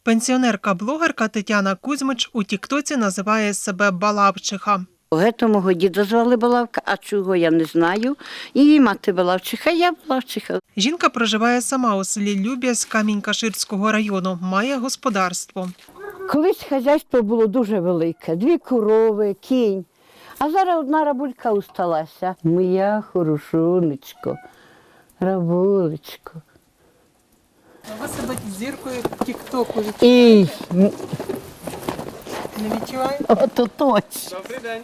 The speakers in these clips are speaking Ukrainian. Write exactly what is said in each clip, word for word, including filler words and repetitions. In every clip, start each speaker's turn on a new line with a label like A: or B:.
A: Пенсіонерка-блогерка Тетяна Кузьмич у тіктоці називає себе Балавчиха.
B: Гето мого діда звали Балавка, а чого я не знаю. Її мати Балавчиха, я Балавчиха.
A: Жінка проживає сама у селі Любязь Камінь-Каширського району, має господарство.
B: Колись хазяйство було дуже велике, дві корови, кінь. А зараз одна рабулька усталася. Моя хорошунечко, рабулечко.
A: Ви себе зіркою тіктоку
B: І
A: не відчуваєте?
B: ото точно.
C: Добрий день.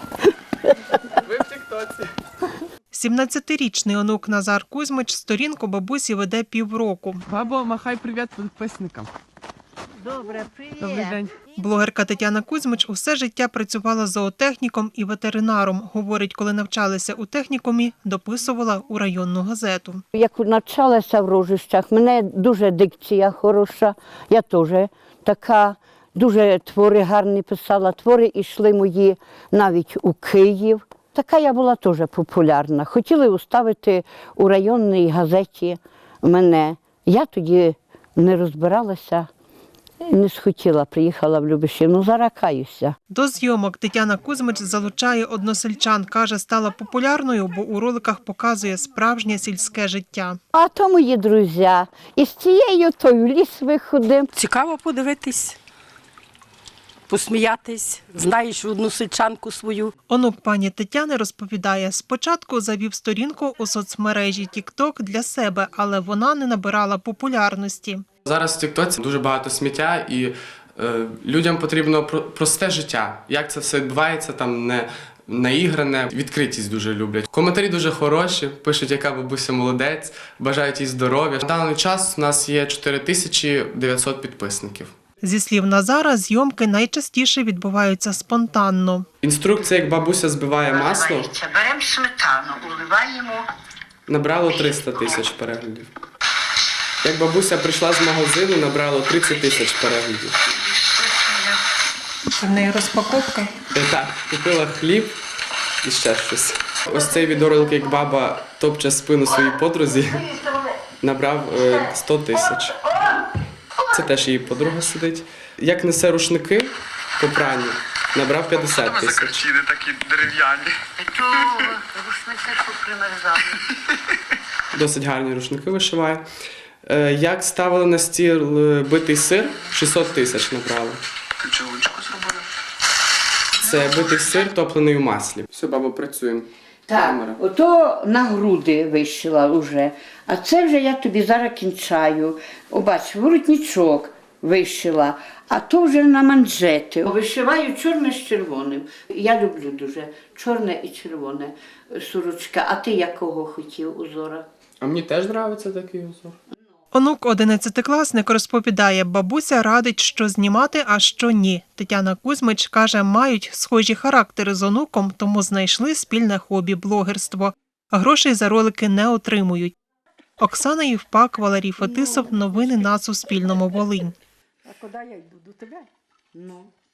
C: Ви в тіктоці.
A: сімнадцятирічний онук Назар Кузьмич сторінку бабусі веде півроку.
C: Бабо, махай привіт підписникам.
B: Добре, привіт.
C: Добрий день.
A: Блогерка Тетяна Кузьмич усе життя працювала зоотехніком і ветеринаром. Говорить, коли навчалася у технікумі, дописувала у районну газету.
B: Як навчалася в Рожищах, мене дуже дикція хороша, я теж така, дуже твори гарні писала, твори йшли мої навіть у Київ. Така я була теж популярна. Хотіли уставити у районній газеті мене. Я тоді не розбиралася, не схотіла, приїхала в Любешів. Зараз каюся.
A: До зйомок Тетяна Кузьмич залучає односельчан. Каже, стала популярною, бо у роликах показує справжнє сільське життя.
B: А то мої друзі. І з цією то в ліс виходимо.
D: Цікаво подивитись, посміятись, знаєш одну сельчанку свою.
A: Онук пані Тетяни розповідає, спочатку завів сторінку у соцмережі тікток для себе, але вона не набирала популярності.
C: Зараз в тіктоці дуже багато сміття і е, людям потрібно про- просте життя. Як це все відбувається, там не наігране, відкритість дуже люблять. Коментарі дуже хороші, пишуть, яка бабуся молодець, бажають їй здоров'я. На даний час у нас є чотири тисячі дев'ятсот підписників.
A: Зі слів Назара, зйомки найчастіше відбуваються спонтанно.
C: Інструкція, як бабуся збиває масло,
B: Беремо сметану, уливаємо.
C: набрало триста тисяч переглядів. Як бабуся прийшла з магазину, набрало тридцять тисяч переглядів.
A: Це в неї розпаковка.
C: Е, Так, купила хліб і ще щось. Ось цей відеоролик, як баба топче спину своїй подрузі, набрав е, сто тисяч. Це теж її подруга сидить. Як несе рушники по пранню, набрав п'ятдесят тисяч.
E: Закачіни такі дерев'яні.
B: То рушники попримерзали.
C: Досить гарні рушники вишиває. Е, Як ставили на стіл е, битий сир, шістсот тисяч набрали.
E: Ти чоловічку зробила?
C: Це битий сир, топлений у маслі. Все, баба, працюємо. Камера.
B: Так, ото на груди вишила вже. А це вже я тобі зараз кінчаю. О, бач, воротничок вишила, а то вже на манжети. Вишиваю чорне з червоним. Я люблю дуже чорне і червоне сорочка. А ти якого хотів узора?
C: А мені теж подобається такий узор.
A: Онук одинадцятикласник розповідає, бабуся радить, що знімати, а що ні. Тетяна Кузьмич каже, мають схожі характери з онуком, тому знайшли спільне хобі – блогерство. Грошей за ролики не отримують. Оксана Євпак, Валерій Фетисов. Новини на Суспільному. Волинь.
D: А куди я йду? До тебе?
B: Ну.